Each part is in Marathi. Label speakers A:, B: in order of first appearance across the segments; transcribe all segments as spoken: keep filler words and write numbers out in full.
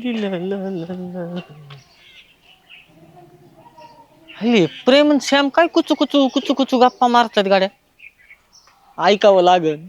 A: हल्ली प्रेम आणि श्याम काय कुचू कुचू कुचू कुचू गप्पा मारतात गाड्या. ऐकावं लागल.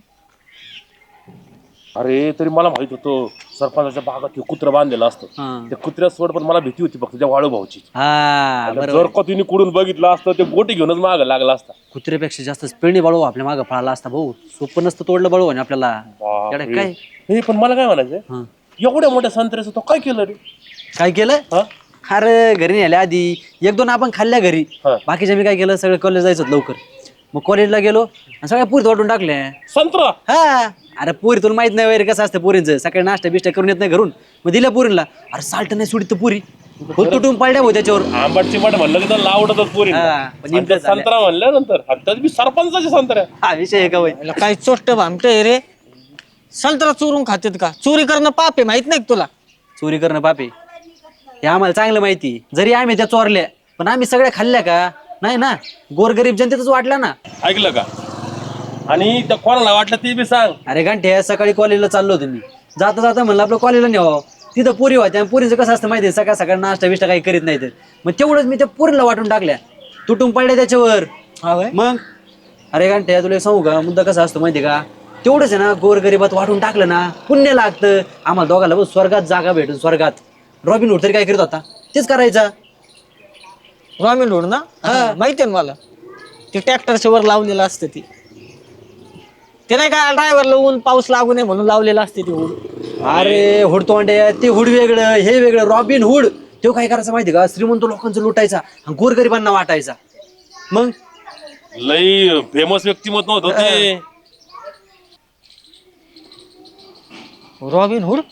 B: अरे तरी मला माहित होतं सरपंचाच्या भागात हे कुत्र बांधलेलं असतं. त्या कुत्र्या सोड पण मला भीती होती फक्त त्या वाळू भाऊची. जर का तिने कुडून बघितलं असतं ते बोटी घेऊनच माग लागला असता.
C: कुत्र्यापेक्षा जास्त पेणी बाळू आपल्या मागं पळाला असता भाऊ. सोपं नसतं तोडलं बाळू आणि आपल्याला काय.
B: हे पण मला काय म्हणायचं एवढ्या मोठ्या संत्र्याचं तो काय केलं रे?
C: काय केलं? अरे घरी नेल्या आधी एक दोन आपण खाल्ल्या घरी. बाकीच्या मी काय केलं सगळं कॉलेज जायचं लवकर. मग कॉलेजला गेलो आणि सगळ्या पुरी वाटून टाकल्या
B: संत्रा.
C: हा अरे पुरी तुला माहित नाही वगैरे कसं असतं पुरींचं. सकाळी नाश्ता बिष्टा करून येत नाही घरून. मग दिल्या पुरीला. अरे साल्ट नाही सोडित पुरी तुटून पडल्या भाऊ त्याच्यावर.
B: आंबटची मट म्हणलं की त्याला आवडतच पुरी. संत्रा म्हणल्यानंतर सरपंचाचे संत्र्या
C: हा विषय आहे का वय.
A: काय चोष्ट भामटे रे. संत्रा चोरून खातेत का? चोरी करणं पाप आहे माहित नाही तुला?
C: चोरी करणं पाप आहे हे आम्हाला चांगलं माहिती. जरी आम्ही त्या चोरल्या पण आम्ही सगळ्या खाल्ल्या का? नाही ना. गोरगरीब जनतेतच वाटला ना.
B: ऐकलं का? आणि त्या कोणाला वाटलं ते बी सांग.
C: अरे घंटे सकाळी कॉलेजला चाललो होतो मी. जाता जाता म्हणलं आपलं कॉलेजला न्यावं. तिथं पुरी होत्या. पुरीचं कसं असतं माहिती सकाळ सकाळ नाश्ता बिष्टा काही करीत नाही. मग तेवढंच मी त्या पुरीला वाटून टाकल्या. तुटून पडल्या त्याच्यावर. मग अरे घंटे तुला सांगू का मुद्दा कसा असतो माहिती का? तेवढंच आहे ना गोरगरिबात वाटून टाकलं ना पुण्य लागतं. आम्हाला दोघाला बघ स्वर्गात जागा भेटून स्वर्गात. रॉबिन हुड तरी काय करत होता तेच करायचा.
A: रॉबिन हुड ना? माहिती आहे मला. ते ट्रॅक्टरच्या वर लावलेलं असतं ती. ते नाही का ड्रायव्हरला ऊन पाऊस लागू नये म्हणून लावलेलं असते ते हुड.
C: अरे हुड तोंडे ते हुड वेगळं हे वेगळं. रॉबिन हुड तो काय करायचं माहिती का? श्रीमंत लोकांचं लुटायचा आणि गोरगरिबांना वाटायचा. मग
B: लई फेमस व्यक्तिमत्व होतं ते
A: रॉबिन हुड.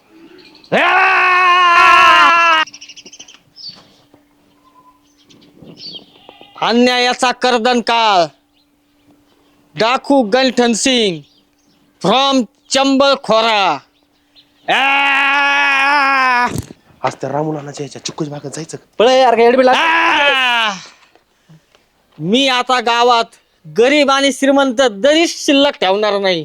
A: अन्यायाचा कर्दन काळ. डाकू गंठन सिंग फ्रॉम चंबळ खोरा.
B: आज त्या रामुलाच्या याच्या चिक्कूच भागात जायचं.
C: पळे यार काय एडबी
A: मी आता गावात गरीब आणि श्रीमंत दरी शिल्लक ठेवणार नाही.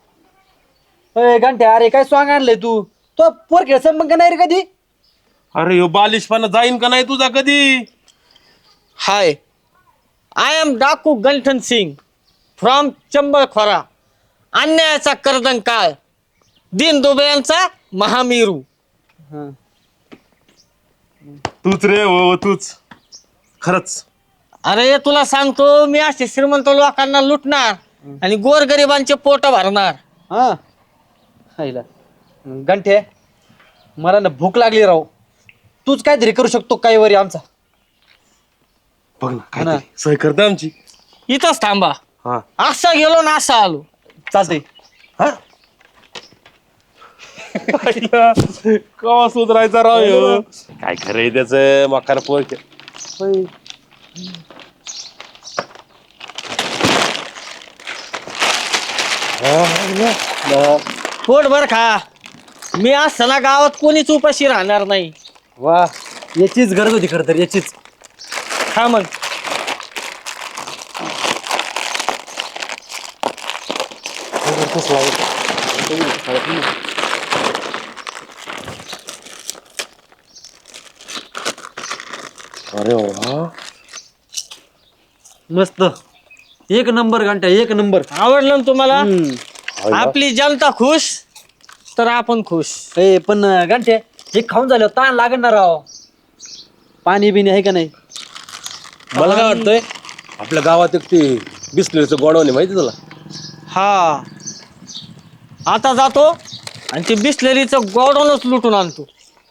C: घंटे अरे काय सॉंग आणलंय तू? तो पोर खेळ मग नाही रे कधी?
B: अरे ह्यो बालिशपणा जाईन का नाही तुझा कधी?
A: हाय आय एम डाकू गंठन सिंग फ्रॉम चंबळ खोरा. अन्यायाचा कर्दन काळ. दीन दुबळ्यांचा महामेरू.
B: तूच रे हो तूच खरंच.
A: अरे तुला सांगतो मी असे श्रीमंत लोकांना लुटणार आणि गोरगरिबांचे पोट भरणार.
C: हा घंटे मला ना भूक लागली राव. तूच काहीतरी करू शकतो काही वरी आमचा.
B: बघ ना काय सोय करता आमची.
A: इथंच थांबा. असा गेलो ना असा आलो.
C: चालतंय.
B: कवा सुधरायचा राव ह्यो. काय खरंय त्याच मकार पोर.
A: पोट भर खा. मी असताना गावात कोणीच उपाशी राहणार नाही.
C: वा याचीच गरज होती खरं तर याचीच.
A: खा मग.
B: अरे वा
C: मस्त एक नंबर घंटा एक नंबर.
A: आवडलं ना तुम्हाला? आपली जनता खुश तर आपण खुश.
C: ए पण घंटे हे खाऊन झालं ताण लागणार राव. पाणी बिणी आहे का नाही?
B: मला काय वाटतंय आपल्या गावात एक ते बिस्लरीचं गोडवणे माहिती तुला?
A: हा आता जातो आणि ते बिस्लरीचं गोडवणच लुटून आणतो.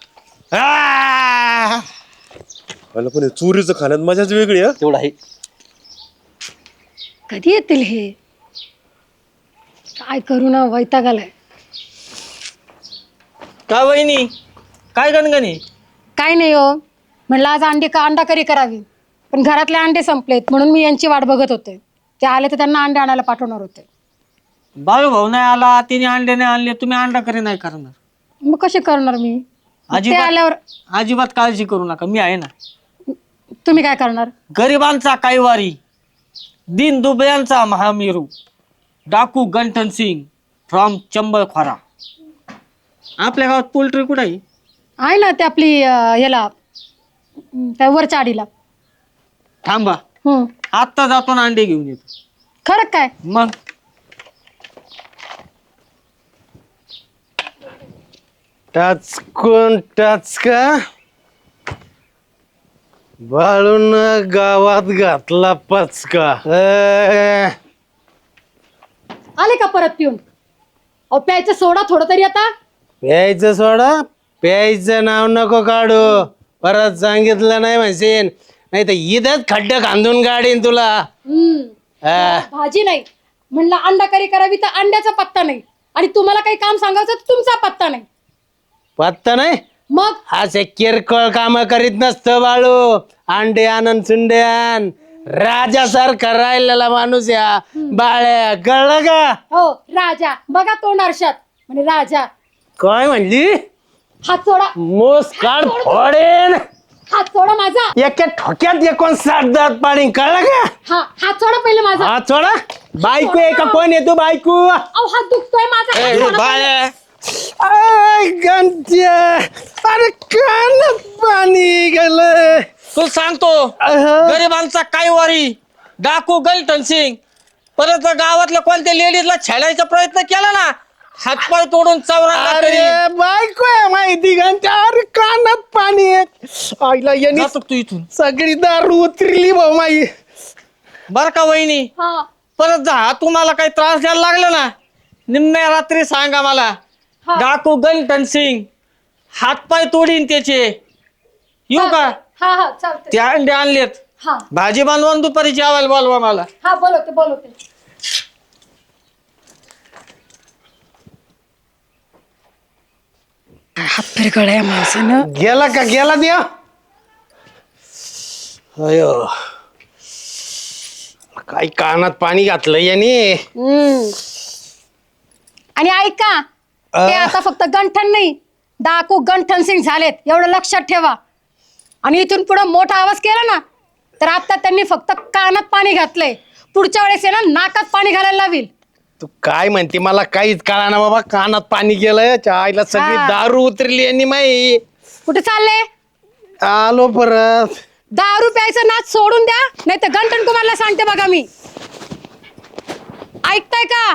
B: मला पण चोरीचं खाण्यात मजाच वेगळी. हा
C: तेवढं आहे.
D: कधी येतील हे? काय करू ना वैताग आलाय.
A: का वहिनी काय गणगणी?
D: काय नाही हो म्हणलं आज अंडी का अंडा करी करावी पण घरातले अंडे संपलेत म्हणून मी यांची वाट बघत होते. ते आले तर त्यांना अंडे आणायला पाठवणार होते.
A: बाळू भाऊ नाही आला तिने अंडे नाही आणले तुम्ही अंडा करी नाही करणार.
D: मग कसे करणार मी? ते
A: अजिबात
D: आल्यावर
A: अजिबात काळजी करू नका मी आहे ना.
D: तुम्ही काय करणार?
A: गरिबांचा काईवारी. दीन दुबळ्यांचा महामेरू. डाकू गंठन सिंग फ्रॉम चंबळ खोरा. आपल्या गावात पोल्ट्री कुठे आहे?
D: आहे ना ते आपली अं, ह्याला अं, त्या वरच्या आडीला.
A: थांबा,
D: हम्म.
A: आत्ता जातो ना अंडे घेऊन येतो.
D: खरं काय?
A: मग
E: टाच कोण टाच का बाळून गावात घातला पचका. ए,
D: आले का परत पिऊन? अहो प्यायचं सोडा थोडं तरी आता.
E: प्यायचं सोडा, प्यायचं नाव नको काढू. परत सांगितलं नाही म्हणशील, नाही तर इथंच खड्ड खांदून गाडीन तुला.
D: हम्म.
E: हा.
D: भाजी नाही म्हणलं, अंडा करी करावी तर अंड्याचा पत्ता नाही, आणि तुम्हाला काही काम सांगायचं तर तुमचा पत्ता नाही.
E: पत्ता नाही.
D: मग
E: असे किरकोळ काम करीत नसतं बाळू. अंडे आनंद सुंडे आण. राजासारखा राहिलेला माणूस या बाळ्या, कळलं का?
D: हो राजा, बघा तोंड आरशात म्हणजे राजा.
E: काय म्हणली?
D: हात सोडा,
E: मोस काढ फोडेन.
D: हात सोडा माझा.
E: एका ठोक्यात एकूण सात दात पाणी, कळलं का?
D: हा हात सोडा पहिले माझा.
E: हा थोडा. बायको आहे का कोण येतो बायको?
D: अहो हात दुखतोय माझा. हात सोडा पहिले.
E: आय, गंत्या. अरे कानात पाणी गेलं.
A: तू सांगतो गरिबांचा काय वारी, डाकू गलटन सिंग. परत गावातल्या कोणत्या लेडीजला छेडायचा प्रयत्न केला ना, हातपाय तोडून चौरा.
E: अरे बायको आहे माहिती गंत्या. अरे कानात पाणी आहे. आईला यांनी
A: तू इथून
E: सगळी दारू उतरली भाऊ माई.
A: बर का वहिनी,
D: हा
A: परत जा तुम्हाला काही त्रास द्यायला लागला ना, निम्म्या रात्री सांगा मला.
D: हा.
A: डाकू गलटन सिंग हातपाय तोडीन त्याचे. येऊ का?
D: हा हा चालतंय.
A: ते अंडे आणलेत,
D: हा
A: भाजी बनवून दुपारी जेवायला बोलवा मला.
D: हा बोलवते बोलवते. हात फिरकळ्या माणसानं.
E: गेला का गेला द्या. अयो काय कानात पाणी घातलं याने.
D: हम्म. आणि ऐका, ते आता फक्त गंठन नाही, डाकू गंठन सिंग झालेत एवढं लक्षात ठेवा. आणि इथून पुढे मोठा आवाज केला ना, तर आता त्यांनी फक्त कानात पाणी घातलंय. पुढच्या वेळेस आहे ना, नाकात पाणी घालायला लावील.
E: तू काय म्हणते मला काहीच कळा ना बाबा. कानात पाणी गेलं. आईला सगळी
D: हा.
E: दारू उतरली यांनी माई.
D: कुठे चालले?
E: आलो परत.
D: दारू प्यायचं नाच सोडून द्या, नाही तर गंठन कुमारला सांगते बघा मी. ऐकताय का?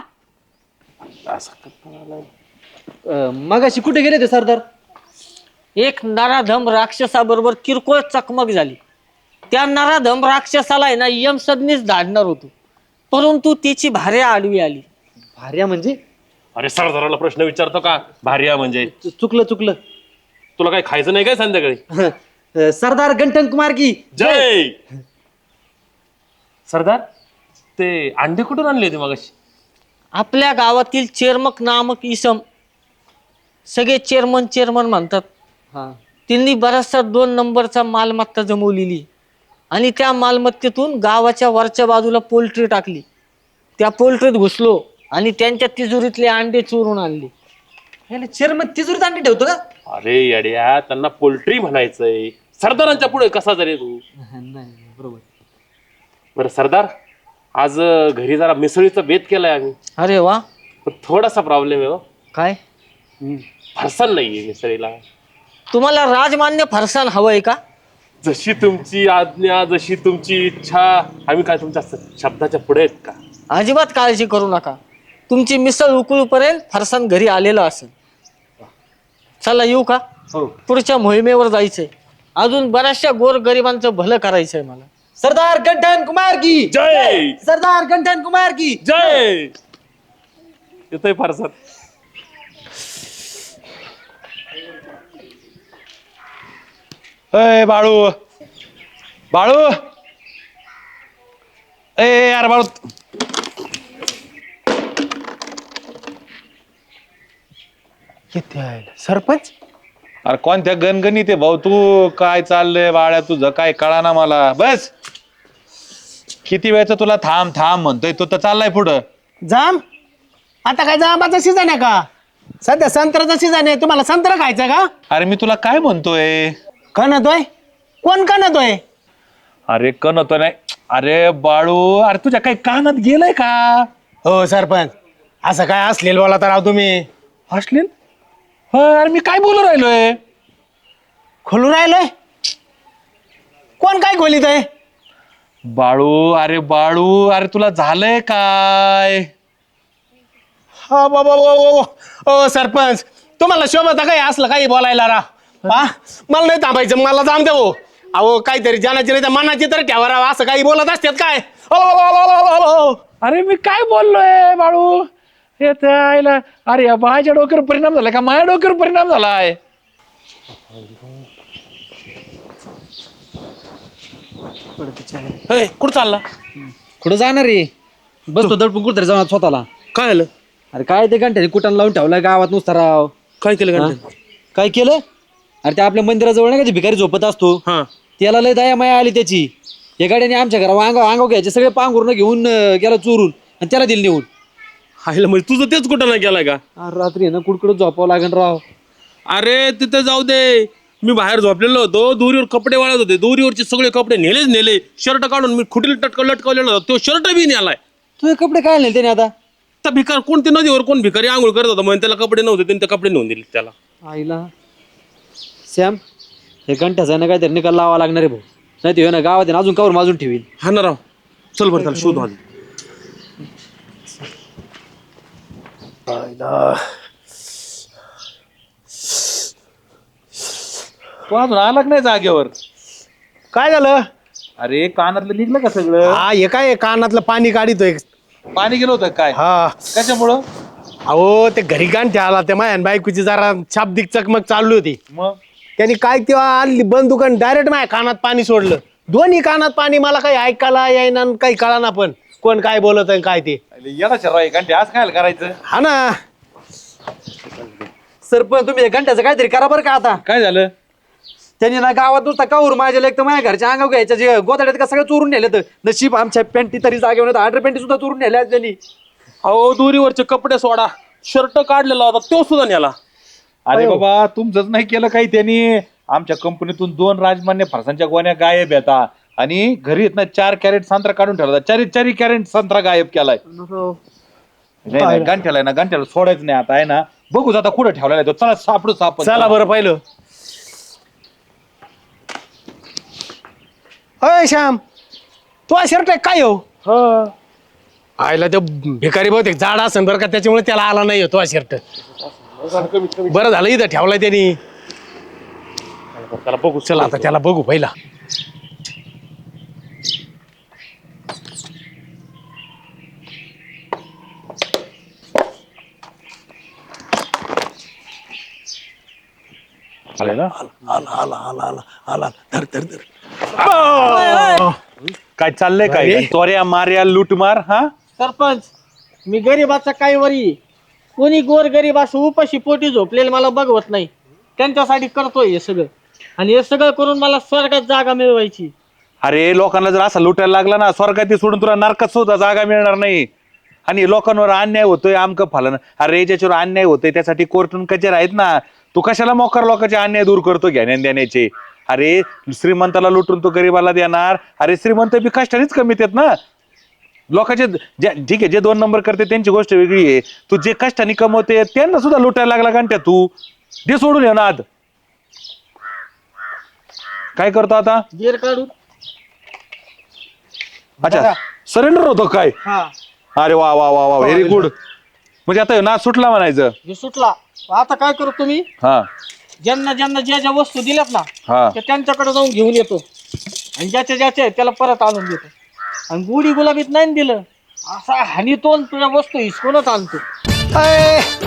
C: मग अशी कुठे गेले ते सरदार?
A: एक नराधम राक्षसाबरोबर किरकोळ चकमक झाली. त्या नराधम राक्षसाला आहे ना यमसदनीच धाडणार होतो, परंतु तिची भार्या आडवी आली.
C: भार्या म्हणजे?
B: अरे सरदाराला प्रश्न विचारतो का? भार्या म्हणजे
C: चुकलं चुकलं.
B: तुला काय खायचं नाही काय संध्याकाळी?
C: सरदार गंठन कुमार की
B: जय. सरदार, ते अंडे कुठून आणले होते मगाशी?
A: आपल्या गावातील चेरमक नामक इसम, सगळे चेअरमन चेअरमन म्हणतात,
C: हा.
A: त्यांनी बराचसा दोन नंबरचा मालमत्ता जमवलेली आणि त्या मालमत्तेतून गावाच्या वरच्या बाजूला पोल्ट्री टाकली. त्या पोल्ट्रीत घुसलो आणि त्यांच्या तिजोरीतले अंडे चोरून आणले.
C: याला चेअरमन तिजोरीत अंडे ठेवतो का?
B: अरे येड्या, त्यांना पोल्ट्री म्हणायचंय. सरदारांच्या पुढे कसा जरी तू.
C: नाही बरोबर.
B: बरं सरदार, आज घरी जरा मिसळीचा बेत केलाय आम्ही.
A: अरे वा.
B: पण थोडासा प्रॉब्लेम आहे हो.
A: काय?
B: फरसाण नाहीये मिसळीला.
A: तुम्हाला राजमान्य फरसाण हवंय का?
B: जशी तुमची आज्ञा, जशी तुमची इच्छा. आम्ही काय तुमच्या शब्दाच्या पुढे आहेत का?
A: अजिबात काळजी करू नका, तुमची मिसळ उकळूपर्यंत फरसाण घरी आलेलं असेल. चला येऊ का?
C: हो.
A: पुढच्या मोहिमेवर जायचंय. अजून बऱ्याचशा गोर गरिबांचं भलं करायचंय मला.
C: सरदार गंठन कुमार की
B: जय.
C: सरदार गंठन कुमार की
B: जय. येतोय फरसाण.
E: अय बाळू, बाळू, ए यार बाळू. किती आहे सरपंच?
F: अरे कोणत्या गणगणित आहे भाऊ तू? काय चाललंय बाळ्या तुझं? काय कळा ना मला. बस किती वेळचं तुला थांब थांब म्हणतोय, तू तर चाललाय पुढं.
E: जाम? आता काय जांबाचा सीझन आहे का? सध्या संत्र्याचा सीझन आहे. तुम्हाला संत्रा खायचा का?
F: अरे मी तुला काय म्हणतोय?
E: कणतोय? कोण कणतोय?
F: अरे कणतो नाही. अरे बाळू, अरे तुझ्या काही कानात गेलंय का?
E: हो सरपंच, असं काय असलेलं बोला तर राव तुम्ही.
F: हसलेन? अरे मी काय बोलू राहिलोय?
E: खोलून राहिलंय कोण काय खोलीत आहे?
F: बाळू, अरे बाळू, अरे तुला झालंय काय?
E: हा बाबा ओ सरपंच, तुम्हाला शोभत काय असलं काही बोलायला रा? हा मला नाही थांबायचं, मला जाम देऊ. अहो काहीतरी जनाची नाही तर मनाची तर ठेवा राव, असं काही बोलत असतात काय? ओ, ओ, ओ, ओ, ओ, ओ.
F: अरे मी काय बोललोय बाळू? हे तर आईला, अरे या माझ्या डोक्यावर परिणाम झाला का माझ्या डोक्यावर परिणाम झालाय?
E: हे, कुठं चालला?
C: कुठं जाणार रे? बसतो दडपून कुठतरी जाणार स्वतःला.
E: काय आलं?
C: अरे काय ते घंट्याने कुठं लावून ठेवलाय गावात नुसता राव.
E: काय केलं
C: हा?
E: घंटा?
C: काय केलं? अरे ते आपल्या मंदिराजवळ नाही का ते भिकारी झोपत असतो,
E: हा
C: त्याला लय दया माया आली त्याची. या गाड्याने आमच्या घरावर अंगाव अंगाव घ्यायचे सगळे पांघरून घेऊन अं, गेला चोरून आणि त्याला दिली नेऊन.
E: हायला म्हणजे तुझं तेच कुठं नाही गेलाय का?
C: अरे रात्री ना कुडकुडत झोपावं लागेल राव.
E: अरे तिथे जाऊ दे, मी बाहेर झोपलेलो होतो, दोरीवर कपडे वाळत होते, दोरीवरचे सगळे कपडे नेलेच नेले. शर्ट काढून मी खुटील टटक लटकवलेला होता, तो शर्ट बी नेलाय.
C: तुझे कपडे काय नेले त्याने आता?
E: त्या भिकार कोणते नदीवर कोण भिकारी आंघोळ करत होता म्हणून त्याला कपडे नव्हते, त्यांनी ते कपडे नेऊन दिले त्याला.
C: आईला सॅम, हे घंट्याचा ना काहीतरी निकाल लावा लागणार आहे भाऊ, नाही ते ना गावात आहे ना अजून कावर माजून ठेवील.
E: हा ना राव, चल बरं त्याला शोध आधी.
F: तू अजून आला का नाही जागेवर?
E: काय झालं?
F: अरे कानातलं निघलं का सगळं?
E: हा हे काय कानातलं पाणी काढितोय.
F: पाणी गेलं होतं काय?
E: हा
F: कशामुळं?
E: अहो ते घरी गांठी आला, त्या मायान बायकोची जरा शाब्दिक चकमक चालली होती.
F: मग
E: त्यांनी काय तेव्हा आली बंदुकान डायरेक्ट माझ्या कानात पाणी सोडलं. दोन्ही कानात पाणी, मला काही ऐकायला येईना आणि काही कळाना पण कोण काय बोलत आहे काय ते.
F: येणार शर्वाई घंटे आज काय करायचं?
E: हा ना.
C: सरपंच तुम्ही हे घंट्याचं काहीतरी करा बरं का आता.
F: काय झालं?
C: त्यांनी ना गावात नुसता कावर माझ्या लेख तर माझ्या घरच्या अंगाव घ्यायच्या जे गोदाड्यात का सगळं चोरून नेलं. तर नशीब आमच्या पॅन्टी तरी जागेवर नव्हतं, अंडर पॅन्टी सुद्धा चोरून नेल्या त्यांनी.
E: अहो दोरीवरचे कपडे सोडा, शर्ट काढलेला होता तो सुद्धा नेला.
F: अरे बाबा तुमचंच नाही केलं काही त्यांनी. आमच्या कंपनीतून दोन राजमान्य फरसांच्या गोण्या गायब येतात आणि घरी येत ना चार कॅरेट संत्रा काढून ठेवला, चारी चारी कॅरेट संत्रा गायब केलाय. नाही नाही गंठ्याला ना गंठ्याला सोडायचं नाही आता आहे ना. बघू आता कुठं ठेवलेला आहे तो. चला सापडू साप.
E: चला बरं पाहिलं. अय श्याम, तू शर्ट काय हो? आयला तो भिकारी बहुतेक झाड असेल बरं का, त्याच्यामुळे त्याला आला नाही तो शर्ट. बरं झालं इथं ठेवलाय त्यांनी. त्याला बघू, चला आता त्याला बघू पहिला.
F: आला
E: आला आला आला आला आला धर धर धर.
F: काय चाललंय काय? चोऱ्या मार्या लूटमार. हा
A: सरपंच, मी गरीबाचा काही वरी, कोणी गोर गरीब असं उपाशी पोटी झोपलेलं मला बघवत नाही, त्यांच्यासाठी करतोय हे सगळं. आणि हे सगळं करून मला स्वर्गात जागा मिळवायची.
F: अरे लोकांना जर असं लुटायला लागला ना, स्वर्गात सोडून तुला नरकात सुद्धा जागा मिळणार नाही. आणि लोकांवर अन्याय होतोय आमकं फलन. अरे ज्याच्यावर अन्याय होतोय त्यासाठी कोर्टून कचेर आहेत ना. तू कशाला मोकार लोकांचे अन्याय दूर करतो घेण्या देण्याचे? अरे श्रीमंताला लुटून तो गरीबाला देणार? अरे श्रीमंत बी कष्टानेच कमीत आहेत ना. लोकांचे ठीक आहे, जे दोन नंबर करते त्यांची गोष्ट वेगळी आहे. तू जे कष्टाने कमवते त्यांना सुद्धा लुटायला लागला घंट्या तू. ते सोडून ये ना. आद काय करतो आता?
A: गेर काढून.
F: अच्छा सरेंडर होतो काय?
A: हा,
F: अरे वा वा वा वा व्हेरी गुड. म्हणजे आता ना सुटला म्हणायचं.
A: हे सुटला. आता काय करू तुम्ही?
F: हा
A: ज्यांना ज्यांना ज्या ज्या वस्तू दिल्यात ना,
F: हा
A: त्या त्यांच्याकडे जाऊन घेऊन येतो आणि ज्याच्या ज्याच्या त्याला परत आणून देतो. आणि गुढी गुलाबीत नाही दिलं असा हानी तो तुझ्या वस्तू हिसकूनच आणतो.
E: अय